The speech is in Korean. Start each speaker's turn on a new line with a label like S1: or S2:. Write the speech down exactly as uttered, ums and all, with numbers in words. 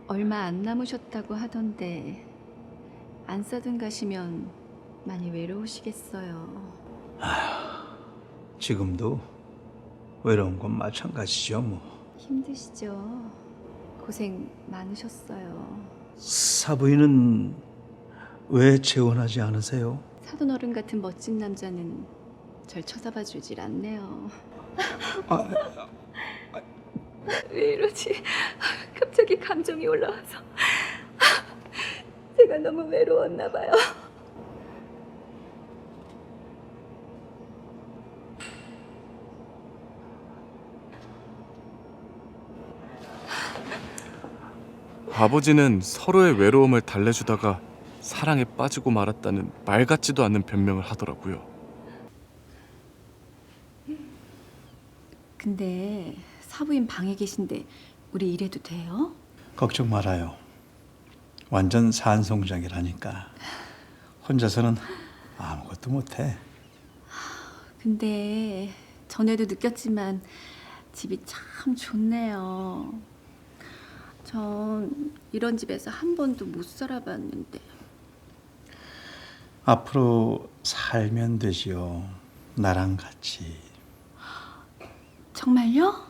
S1: 얼마 안 남으셨다고 하던데 안사든 가시면 많이 외로우시겠어요.
S2: 지금도 외로운 건 마찬가지죠 뭐.
S1: 힘드시죠? 고생 많으셨어요.
S2: 사부인은 왜 재혼하지 않으세요?
S1: 사돈 어른 같은 멋진 남자는 절 쳐다봐 주질 않네요. 왜 이러지? 갑자기 감정이 올라와서 제가 너무 외로웠나 봐요.
S3: 아버지는 서로의 외로움을 달래주다가 사랑에 빠지고 말았다는 말 같지도 않은 변명을 하더라고요.
S1: 근데 사부인 방에 계신데 우리 일해도 돼요?
S2: 걱정 말아요. 완전 산송장이라니까. 혼자서는 아무것도 못해.
S1: 근데 전에도 느꼈지만 집이 참 좋네요. 전 이런 집에서 한 번도 못 살아봤는데.
S2: 앞으로 살면 되지요. 나랑 같이.
S1: 정말요?